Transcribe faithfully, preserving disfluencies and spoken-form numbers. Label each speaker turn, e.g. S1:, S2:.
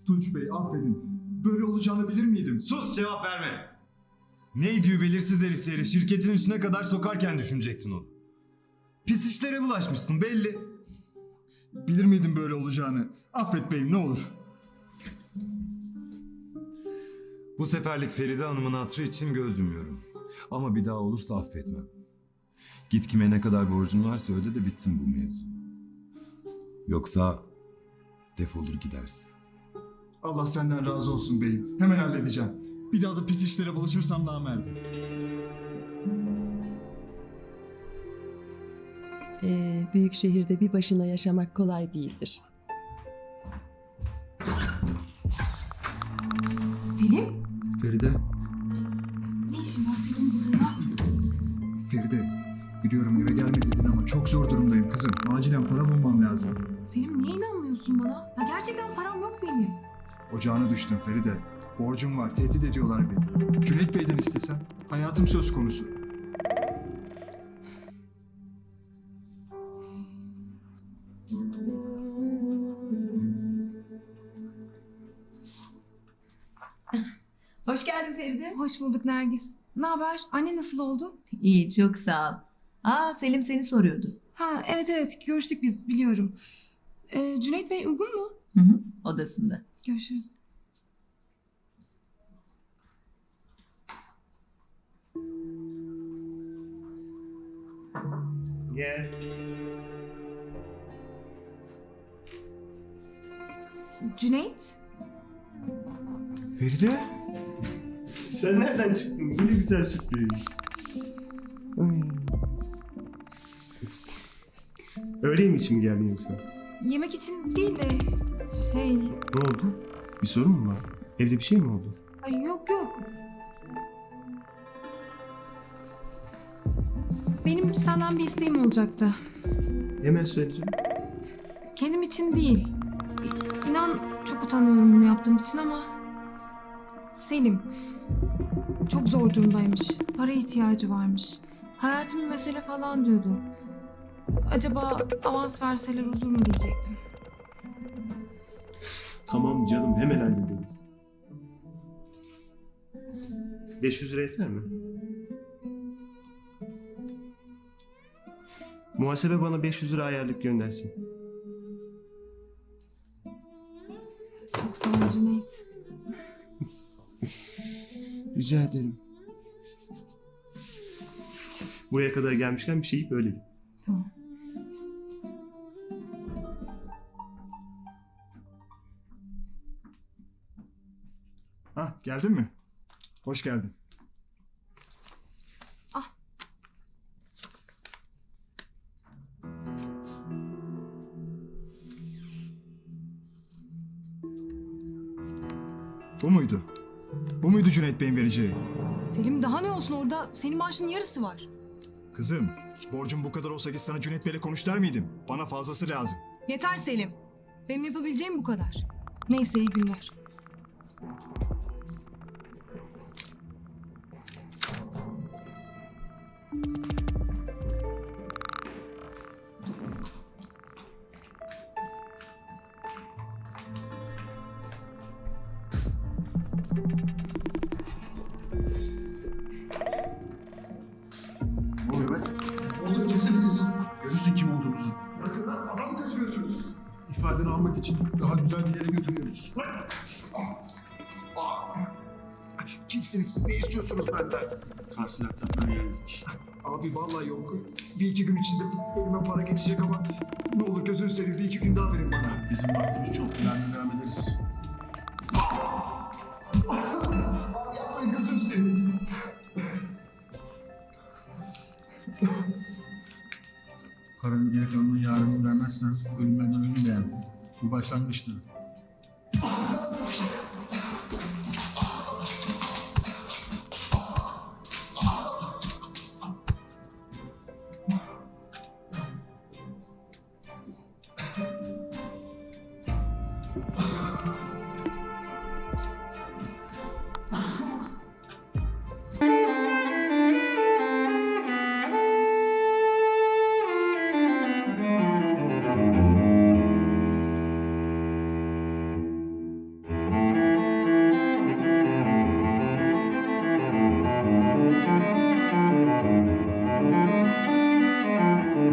S1: Tunç Bey affedin. Böyle olacağını bilir miydim?
S2: Sus, cevap verme. Neydi belirsiz herifleri şirketin içine kadar sokarken düşünecektin onu. Pis işlere bulaşmışsın belli.
S1: Bilir miydim böyle olacağını? Affet beyim ne olur.
S2: Bu seferlik Feride Hanım'ın hatırı için göz yumuyorum. Ama bir daha olursa affetmem. Git kime ne kadar borcun varsa öde de bitsin bu mevzu. Yoksa defolur gidersin.
S1: Allah senden razı olsun beyim. Hemen halledeceğim. Bir daha da pis işlere bulaşırsam namerdim.
S3: Ee, büyük şehirde bir başına yaşamak kolay değildir.
S4: Selim?
S1: Feride,
S4: Ne işin var senin burada?
S1: Feride. Biliyorum eve gelme dedin ama çok zor durumdayım kızım. Acilen para bulmam lazım.
S4: Selim niye inanmıyorsun bana? Ya gerçekten param yok benim.
S1: Ocağına düştüm Feride. Borcum var, tehdit ediyorlar beni. Cüneyt Bey'den istesen. Hayatım söz konusu.
S5: Hoş geldin Feride.
S4: Hoş bulduk Nergis. Ne haber? Anne nasıl oldu?
S5: İyi, çok sağ ol. Aa, Selim seni soruyordu.
S4: Ha evet evet görüştük biz biliyorum. Ee, Cüneyt Bey uygun mu?
S5: Hı hı, odasında.
S4: Görüşürüz.
S6: Gel.
S4: Cüneyt?
S2: Feride?
S6: Sen nereden çıktın? Bu ne güzel sürpriz. Ay. Öğle mi için mi geldin yoksa?
S4: Yemek için değil de şey...
S6: Ne oldu? Bir sorun mu var? Evde bir şey mi oldu?
S4: Ay yok yok. Benim senden bir isteğim olacaktı.
S6: Hemen söyleyeceğim.
S4: Kendim için değil. İ- İnan çok utanıyorum bunu yaptığım için ama... Selim çok zor durumdaymış. Para ihtiyacı varmış. Hayatım bir mesele falan diyordu. Acaba avans verseler olur mu diyecektim.
S6: Tamam canım, hemen hallederiz. beş yüz lira yeter mi? Muhasebe bana beş yüz lira ayarlık göndersin.
S4: Çok sağ ol Cüneyt.
S6: Rica ederim. Buraya kadar gelmişken bir şey yiyip öyle git.
S4: Tamam.
S1: Hah geldin mi? Hoş geldin.
S4: Ah.
S1: Bu muydu? Bu muydu Cüneyt Bey'in vereceği?
S4: Selim daha ne olsun orada senin maaşın yarısı var.
S1: Kızım, borcum bu kadar olsa git sana Cüneyt Bey'le konuş der miydim? Bana fazlası lazım.
S4: Yeter Selim. Benim yapabileceğim bu kadar. Neyse iyi günler.
S7: Ne oluyor be? Ne oluyor? Kimsiniz siz? Görürsün kim olduğumuzu.
S1: Bırakın lan, adam mı kaçırıyorsunuz?
S7: İfadeni almak için daha güzel bir yere götürüyoruz. Kimsiniz siz? Ne istiyorsunuz benden?
S6: Tahsilatlardan geldik.
S1: Abi vallahi yok. Bir iki gün içinde elime para geçecek ama ne olur gözünü seveyim bir iki gün daha verin bana.
S7: Bizim vaktimiz çok. Yarın devam ederiz.
S1: Abi yapmayın gözünü seveyim.
S7: Paranın geri kalanını yarın vermezsen ölümden ölüm beğen. Bu başlangıçtır.
S6: Thank you.